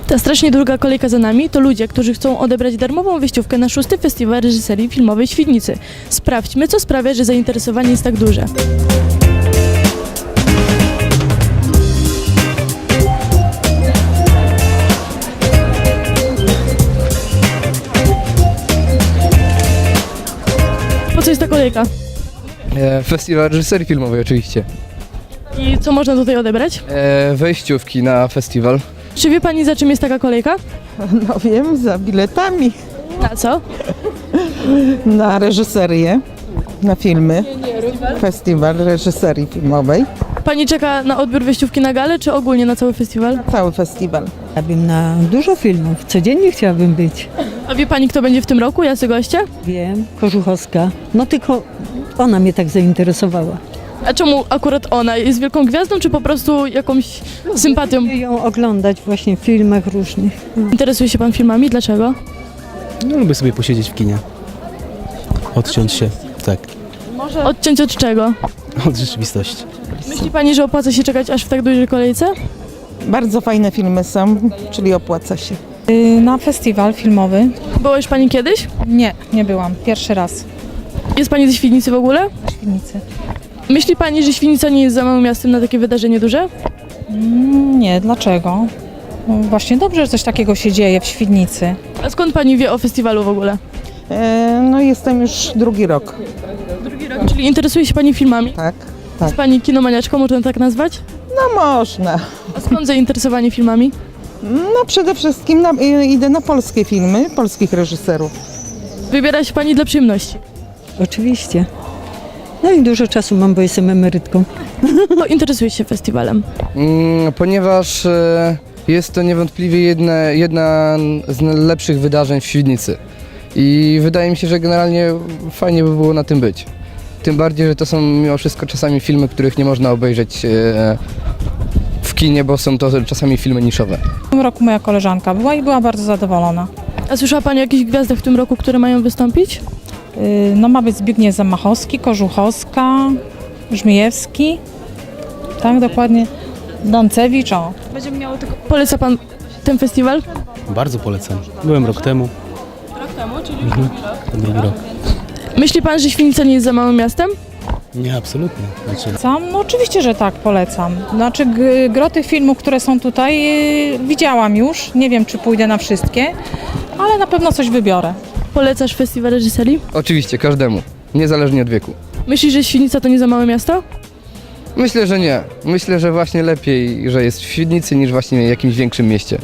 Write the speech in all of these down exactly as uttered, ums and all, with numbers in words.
Ta strasznie długa kolejka za nami to ludzie, którzy chcą odebrać darmową wejściówkę na szósty Festiwal Reżyserii Filmowej w Świdnicy. Sprawdźmy, co sprawia, że zainteresowanie jest tak duże. Po co jest ta kolejka? E, Festiwal Reżyserii Filmowej oczywiście. I co można tutaj odebrać? E, wejściówki na festiwal. Czy wie pani, za czym jest taka kolejka? No wiem, za biletami Na co? na reżyserię, na filmy. Festiwal reżyserii filmowej. Pani czeka na odbiór wejściówki na galę, czy ogólnie na cały festiwal? Cały festiwal. Chciałabym na dużo filmów, codziennie chciałabym być. A wie pani, kto będzie w tym roku? Jacy goście? Wiem, Kożuchowska, no tylko ona mnie tak zainteresowała. A czemu akurat ona? Jest wielką gwiazdą, czy po prostu jakąś sympatią? Lubię ją oglądać właśnie w filmach różnych. Interesuje się pan filmami? Dlaczego? No, lubię sobie posiedzieć w kinie. Odciąć się, tak, Odciąć od czego? od rzeczywistości. Myśli pani, że opłaca się czekać aż w tak dużej kolejce? Bardzo fajne filmy są, czyli opłaca się. Na festiwal filmowy? Była już pani kiedyś? Nie, nie byłam. Pierwszy raz Jest pani ze Świdnicy w ogóle? w Świdnicy. Myśli pani, że Świdnica nie jest za małym miastem na takie wydarzenie duże? Mm, Nie, dlaczego? No właśnie dobrze, że coś takiego się dzieje w Świdnicy. A skąd pani wie o festiwalu w ogóle? E, no jestem już drugi rok, Drugi rok. Czyli interesuje się pani filmami? tak? Jest pani kinomaniaczką, można tak nazwać? No można. A skąd zainteresowanie filmami? No przede wszystkim na, i- idę na polskie filmy, polskich reżyserów. Wybiera się pani dla przyjemności. Oczywiście. No i dużo czasu mam, bo jestem emerytką. Bo interesuje się festiwalem. Mm, ponieważ e, jest to niewątpliwie jedna, jedna z lepszych wydarzeń w Świdnicy. I wydaje mi się, że generalnie fajnie by było na tym być. Tym bardziej, że to są mimo wszystko czasami filmy, których nie można obejrzeć e, w kinie, bo są to czasami filmy niszowe. W tym roku moja koleżanka była i była bardzo zadowolona. A słyszała pani o jakichś gwiazdach w tym roku, które mają wystąpić? Yy, No ma być Zbigniew Zamachowski, Kożuchowska, Żmijewski, tak dokładnie, Dancewicz, o. Będzie miało tylko... Poleca pan ten festiwal? Bardzo polecam. Byłem rok temu. Rok temu, czyli już drugi rok. Drugi rok. Myśli pan, że Świdnica nie jest za małym miastem? Nie, absolutnie. Znaczy, Sam? No oczywiście, że tak, polecam. Znaczy g- gro tych filmów, które są tutaj, yy, widziałam już. Nie wiem, czy pójdę na wszystkie, ale na pewno coś wybiorę. Polecasz festiwal reżyserii? Oczywiście, każdemu, niezależnie od wieku. Myślisz, że Świdnica to nie za małe miasto? Myślę, że nie. Myślę, że właśnie lepiej, że jest w Świdnicy niż właśnie w jakimś większym mieście.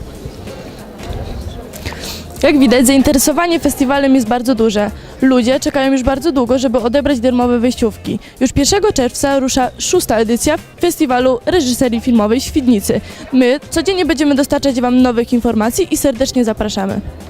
Jak widać, zainteresowanie festiwalem jest bardzo duże. Ludzie czekają już bardzo długo, żeby odebrać darmowe wejściówki. Już pierwszego czerwca rusza szósta edycja Festiwalu Reżyserii Filmowej w Świdnicy. My codziennie będziemy dostarczać wam nowych informacji i serdecznie zapraszamy.